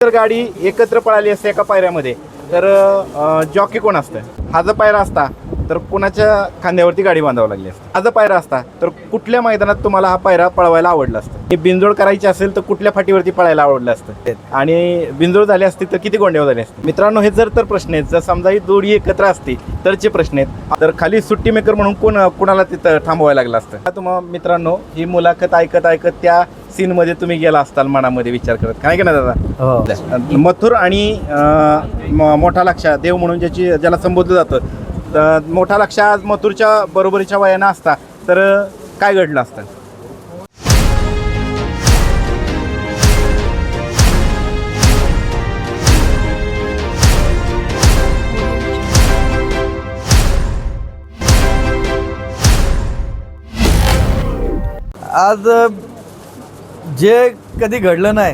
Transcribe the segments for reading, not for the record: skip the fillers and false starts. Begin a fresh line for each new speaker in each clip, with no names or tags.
जर गाडी एकत्र पळाली असते एका पायऱ्यामध्ये तर जॉकी कोण असतं? हा जर पायरा असता तर कोणाच्या खांद्यावरती गाडी बांधावं लागली असते? हा जर पायरा असता तर कुठल्या मैदानात तुम्हाला हा पायरा पळवायला आवडला असतं? ही बिनजोड करायची असेल तर कुठल्या फाटीवरती पळायला आवडलं असतं? आणि बिनजोड झाली असती तर किती गोंड्यावर झाले असते? मित्रांनो, हे जर तर प्रश्न आहेत. जर समजा ही जोडी एकत्र असती तरचे प्रश्न आहेत. तर खाली सुट्टी मेकर म्हणून कोणाला तिथं थांबवायला लागलं असतं? तुम्हाला मित्रांनो, ही मुलाखत ऐकत ऐकत त्या सीन मध्ये तुम्ही गेला असताल मनामध्ये विचार करत, काय की ना दादा? मथुर आणि मोठा लक्षा देव म्हणून ज्याला संबोधलं जातं, मोठा लक्षा आज मथुरच्या बरोबरीच्या वयानं असता तर काय घडलं असतं?
आज जे कधी घडलं नाही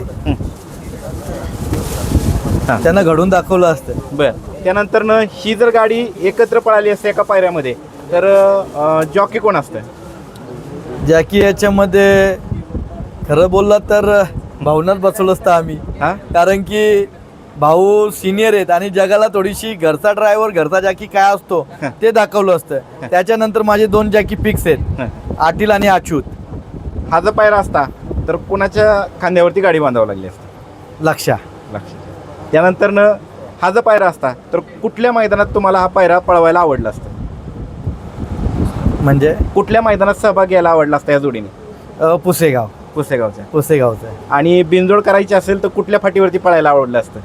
त्यांना घडून दाखवलं असतं.
बर, त्यानंतर ही जर गाडी एकत्र पळाली असते एका पायऱ्यामध्ये तर जॉकी कोण असतं?
जॅकी याच्यामध्ये खरं बोलला तर भावनाच बसवलं असतं आम्ही. कारण की भाऊ सिनियर आहेत आणि जगाला थोडीशी घरचा ड्रायव्हर घरचा जॅकी काय असतो ते दाखवलं असतं. त्याच्यानंतर माझे 2 जॅकी फिक्स आहेत, आटील आणि अच्युत.
हा जर पायरा असता तर कोणाच्या खांद्यावरती गाडी बांधावं लागली असते?
लक्षा.
त्यानंतर हा जर पायरा असता तर कुठल्या मैदानात तुम्हाला हा पायरा पळवायला आवडला असतं?
म्हणजे
कुठल्या मैदानात सहभाग घ्यायला आवडला असता या जोडीने? पुसेगावच्या. आणि बिनजोड करायची असेल तर कुठल्या फाटीवरती पळायला आवडलं असतं?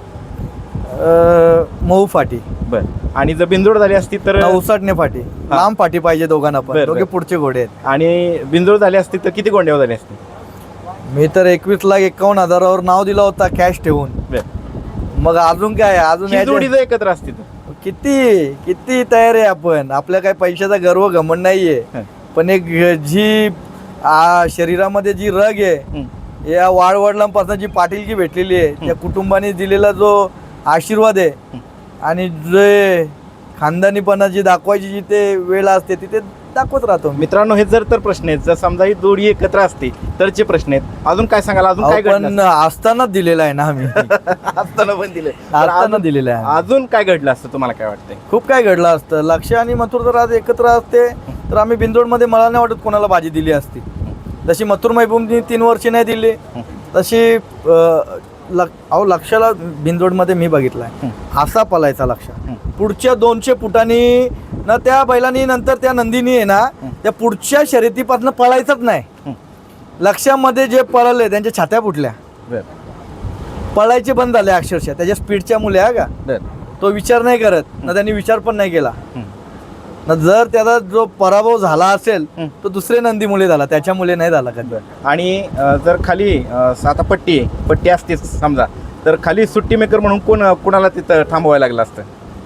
मऊ फाटी.
बर, आणि जर बिनजोड झाली असती तर?
59 फाटी. लांब फाटी पाहिजे दोघांना पण, दोघे पुढचे घोडे आहेत.
आणि बिनजोड झाली असती तर किती गोंड्यावर झाली असती?
मी तर 21,51,000वर नाव दिला होता कॅश ठेवून. मग अजून काय, अजून
जोडी जर एकत्र असती तर
किती तयार आहे आपण. आपल्या काय पैशाचा गर्व घमंड नाहीये, पण एक जी शरीरामध्ये जी रग आहे, या वाडवडिलांपासून जी पाटीलकी भेटलेली आहे, त्या कुटुंबाने दिलेला जो आशीर्वाद आहे आणि जे खानदानीपणा जी दाखवायची जिथे वेळ असते तिथे दाखवत राहतो.
मित्रांनो, हे जर तर प्रश्न आहेत. जर समजा ही जोडी एकत्र असते तरचे प्रश्न आहेत. अजून काय सांगाल? अजून काय
पण असताना दिलेला आहे ना आम्ही.
असताना पण दिले,
असताना दिलेलं आहे.
अजून काय घडलं असतं तुम्हाला काय वाटतंय?
खूप काय घडलं असतं. लक्ष आणि मथुर जर आज एकत्र असते तर आम्ही बिंदोडमध्ये मला नाही वाटत कोणाला बाजी दिली असती. जशी मथुर महबूबनी 3 वर्षे नाही दिली तशी लक्षाला बिंदोडमध्ये मी बघितलाय. असा पलायचा लक्ष पुढच्या 200 फुटांनी ना त्या बैलांनी, नंतर त्या नंदीनी आहे ना त्या पुढच्या शर्यतीपासून पळायचंच नाही. लक्षामध्ये जे पळाले त्यांच्या छात्या फुटल्या, पळायचे बंद झाले अक्षरशः त्याच्या स्पीडच्या मुले. का तो विचार नाही करत ना, त्यांनी विचार पण नाही केला ना. जर त्याचा जो पराभव झाला असेल तो दुसरे नंदी मुले झाला, त्याच्या मुले नाही झाला कधी.
आणि जर खाली आता पट्टी असतेच समजा, तर खाली सुट्टी मेकर म्हणून कोणाला तिथं थांबवायला लागलं असतं?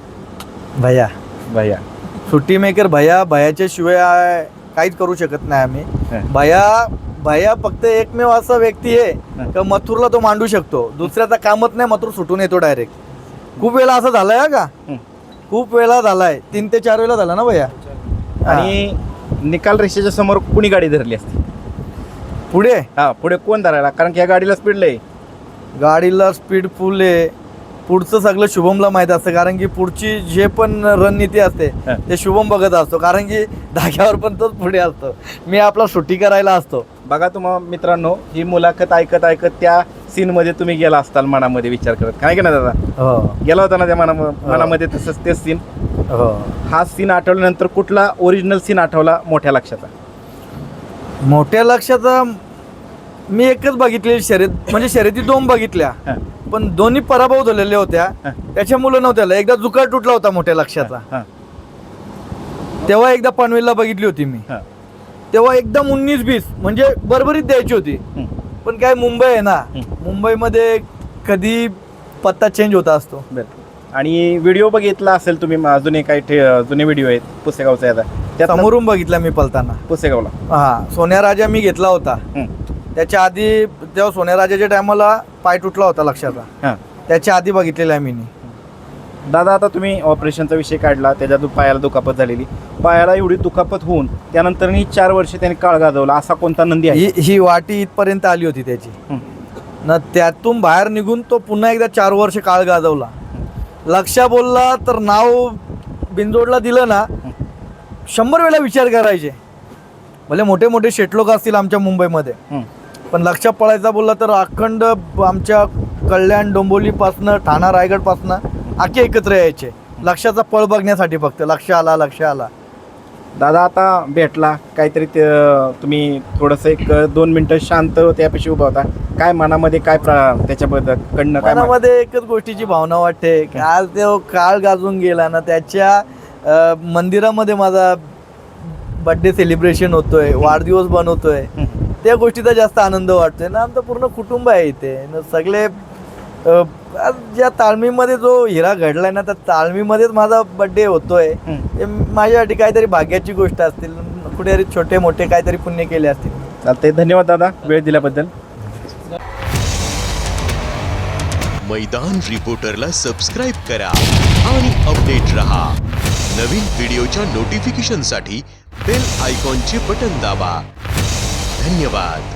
भैया.
सुट्टी मेकर भैयाच्या शिवाय काहीच करू शकत नाही आम्ही. भैया फक्त एकमेव असा व्यक्ती आहे का मथुरला तो मांडू शकतो. दुसऱ्याचा कामच नाही, मथुर सुटून येतो डायरेक्ट. खूप वेळा असं झालंय का, खूप वेळा झालाय. 3 ते 4 वेळा झाला ना भैया.
आणि निकाल रेषेच्या समोर कुणी गाडी धरली असती? पुढे कोण धरायला? कारण की या गाडीला स्पीड लय.
गाडीला स्पीड फुल आहे. पुढचं सगळं शुभमला माहीत असतं, कारण की पुढची जे पण रणनीती असते ते शुभम बघत असतो. कारण की धाग्यावर पण तोच पुढे असतो, मी आपला सुट्टी करायला असतो.
बघा तुम्हाला मित्रांनो, ही मुलाखत ऐकत ऐकत त्या सीन मध्ये तुम्ही गेला असताल मनामध्ये विचार करत, काय की ना दादा? गेला होता ना त्या मनामध्ये तसंच तेच सीन. हा सीन आठवल्यानंतर कुठला ओरिजिनल सीन आठवला मोठ्या लक्षाचा?
मोठ्या लक्षाचा मी एकच बघितलेली शर्यत, म्हणजे शर्यती 2 बघितल्या, पण दोन्ही पराभव झालेल्या होत्या. त्याच्यामुळे नव्हत्या. एकदा जुकाळ तुटला होता मोठ्या लक्षाचा, तेव्हा एकदा पनवेलला बघितली होती मी. तेव्हा एकदम 19-20 म्हणजे बरोबरीत द्यायची होती. पण काय मुंबई आहे ना, मुंबईमध्ये कधी पत्ता चेंज होता असतो.
आणि व्हिडिओ बघितला असेल तुम्ही, जुने जुने व्हिडिओ आहेत पुसेगावचा, त्या
समोरून बघितला मी पलताना
पुसेगावला.
सोन्या राजा मी घेतला होता. त्याच्या आधी तेव्हा सोन्या राजाच्या टायमाला पाय तुटला होता लक्षाचा, त्याच्या आधी बघितलेला आहे मी.
दादा, आता तुम्ही ऑपरेशनचा विषय काढला, त्याच्या पायाला दुखापत झालेली, पायाला एवढी दुखापत होऊन त्यानंतर 4 वर्ष त्यांनी काळ गाजवला, असा कोणता नंदी आहे?
ही वाटी इथपर्यंत आली होती त्याची. ना त्यातून बाहेर निघून तो पुन्हा एकदा 4 वर्ष काळ गाजवला. लक्षा बोलला तर नाव बिनजोडला दिलं ना 100 वेळा विचार करायचे. भले मोठे मोठे शेटलोक असतील आमच्या मुंबईमध्ये, पण लक्षा पळायचा बोलला तर अखंड आमच्या कल्याण डोंबिवलीपासनं ठाणा रायगडपासनं आखे एकत्र यायचे लक्षाचा पळ बघण्यासाठी. फक्त लक्ष आला.
दादा आता भेटला काहीतरी तुम्ही थोडंसं एक 2 मिनटं शांत त्यापेक्षा उभा होता. काय मनामध्ये काय त्याच्याबद्दल कडनं काय
मनामध्ये एकच गोष्टीची भावना वाटते की आज तो काळ गाजून गेला ना, त्याच्या मंदिरामध्ये माझा बर्थडे सेलिब्रेशन होतोय, वाढदिवस बनवतोय, त्या गोष्टीचा जास्त आनंद वाटतोय ना. आमचं पूर्ण कुटुंब आहे इथे न, सगळे आज ज्या ताळमीमध्ये जो हिरा घडलाय ना, त्या ताळमीमध्येच माझा बर्थडे होतोय. हे माझ्यासाठी काहीतरी भाग्याची गोष्ट असतील, कुठेतरी छोटे मोठे काहीतरी पुण्य केले असतील.
चालते. धन्यवाद दादा वेळ दिल्याबद्दल.
मैदान रिपोर्टरला सबस्क्राइब करा आणि अपडेट रहा. नवीन व्हिडिओच्या नोटिफिकेशनसाठी बेल आयकॉनचे बटन दाबा. धन्यवाद.